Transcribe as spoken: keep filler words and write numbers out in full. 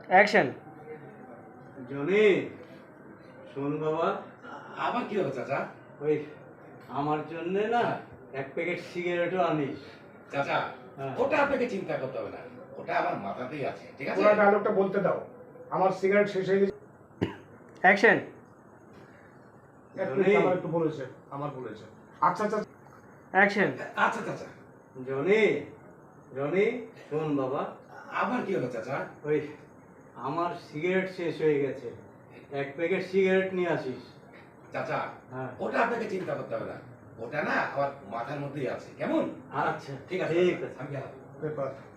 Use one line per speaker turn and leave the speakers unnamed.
Action.
Johnny, শোন বাবা।
আবার কি হলো চাচা?
ওই আমার জন্য না এক প্যাকেট সিগারেটও আনিস।
চাচা
হ্যাঁ।
ওটা আপনাকে চিন্তা করতে হবে না, ওটা আমার মাথাতেই আছে, ঠিক আছে?
পুরো ডায়লগটা বলতে দাও। আমার সিগারেট শেষ হয়ে গেছে।
অ্যাকশন।
এক মিনিট, আমার একটু বলেছে, আমার বলেছে। আচ্ছা আচ্ছা।
অ্যাকশন।
আচ্ছা চাচা।
জনি, জনি, শোন বাবা।
আবার কি হলো চাচা?
ওই আমার সিগারেট শেষ হয়ে গেছে, এক প্যাকেট সিগারেট নিয়ে আসিস।
চাচা
হ্যাঁ।
ওটা আপনাকে চিন্তা করতে হবে না, ওটা না আমার মাথার মধ্যেই আছে, কেমন?
আচ্ছা
ঠিক আছে
ঠিক আছে।
আমি গেলাম।
পেপার